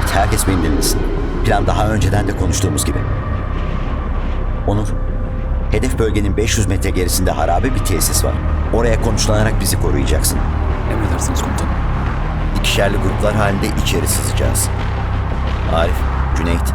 herkes beni dinlesin. Plan daha önceden de konuştuğumuz gibi. Onur, hedef bölgenin 500 metre gerisinde harabe bir tesis var. Oraya konuşlanarak bizi koruyacaksın. Emredersiniz komutanım. İkişerli gruplar halinde içeri sızacağız. Arif, Cüneyt.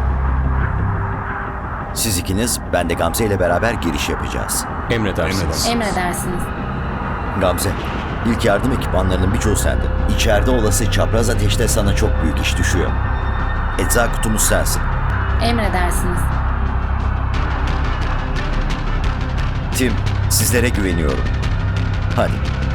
Siz ikiniz, ben de Gamze ile beraber giriş yapacağız. Emredersiniz. Emredersiniz. Gamze, ilk yardım ekipmanlarının birçoğu sende. İçeride olası çapraz ateşte sana çok büyük iş düşüyor. Ecza kutumuz sensin. Emredersiniz. Tim, sizlere güveniyorum. Hadi.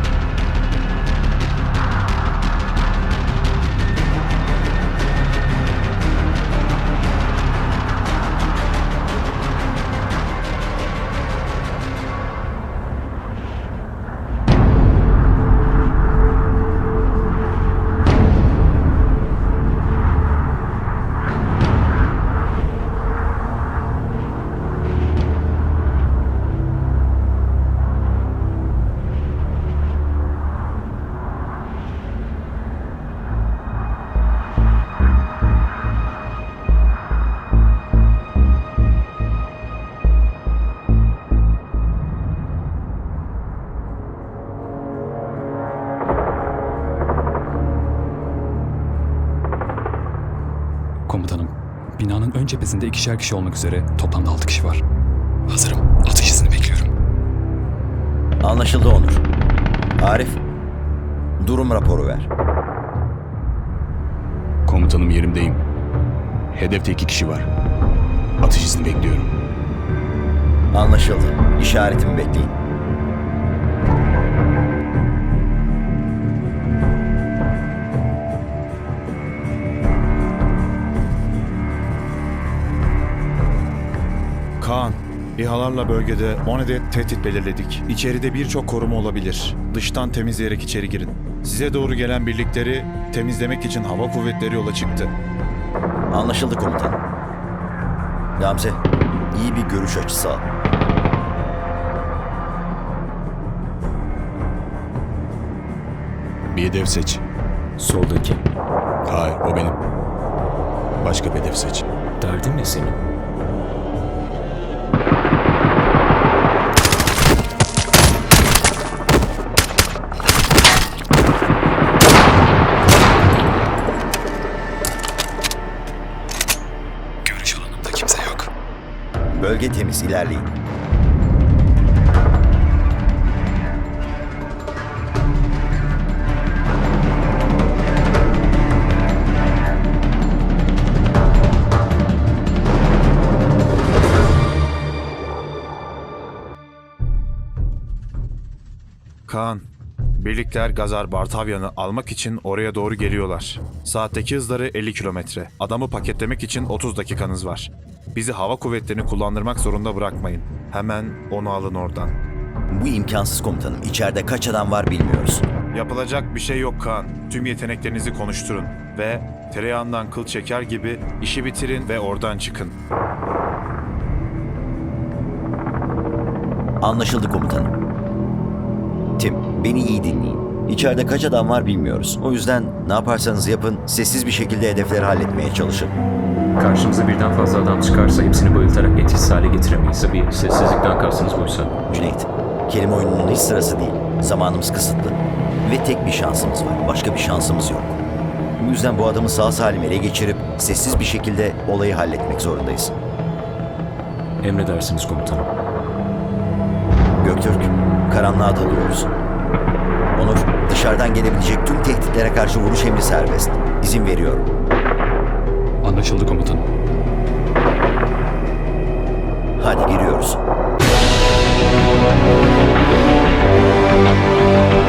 Komutanım, binanın ön cephesinde 2'şer kişi olmak üzere toplamda 6 kişi var. Hazırım. Atış izni bekliyorum. Anlaşıldı Onur. Arif, durum raporu ver. Komutanım yerimdeyim. Hedefte 2 kişi var. Atış izni bekliyorum. Anlaşıldı. İşaretimi bekleyin. Kaan, İHA'larla bölgede 10 adet tehdit belirledik. İçeride birçok koruma olabilir. Dıştan temizleyerek içeri girin. Size doğru gelen birlikleri temizlemek için hava kuvvetleri yola çıktı. Anlaşıldı komutanım. Gamze, iyi bir görüş açısı al. Bir hedef seç. Soldaki. Hayır, o benim. Başka bir hedef seç. Derdin ne senin? Görüş alanımda kimse yok. Bölge temiz, ilerleyin. Kaan, birlikler Gazar Bartavyan'ı almak için oraya doğru geliyorlar. Saatteki hızları 50 kilometre. Adamı paketlemek için 30 dakikanız var. Bizi hava kuvvetlerini kullandırmak zorunda bırakmayın. Hemen onu alın oradan. Bu imkansız komutanım. İçeride kaç adam var bilmiyoruz. Yapılacak bir şey yok Kaan. Tüm yeteneklerinizi konuşturun ve tereyağından kıl çeker gibi işi bitirin ve oradan çıkın. Anlaşıldı komutanım. Tim, beni iyi dinleyin. İçeride kaç adam var bilmiyoruz. O yüzden ne yaparsanız yapın, sessiz bir şekilde hedefleri halletmeye çalışın. Karşımıza birden fazla adam çıkarsa hepsini bayıltarak etkisiz hale getiremeyiz. Tabii sessizlikten kastınız buysa. Cüneyt, kelime oyununun hiç sırası değil. Zamanımız kısıtlı. Ve tek bir şansımız var. Başka bir şansımız yok. Bu yüzden bu adamı sağ salim ele geçirip sessiz bir şekilde olayı halletmek zorundayız. Emredersiniz komutanım. Göktürk, karanlığa dalıyoruz. Onur, dışarıdan gelebilecek tüm tehditlere karşı vuruş emri serbest. İzin veriyorum. Anlaşıldı komutanım. Hadi giriyoruz.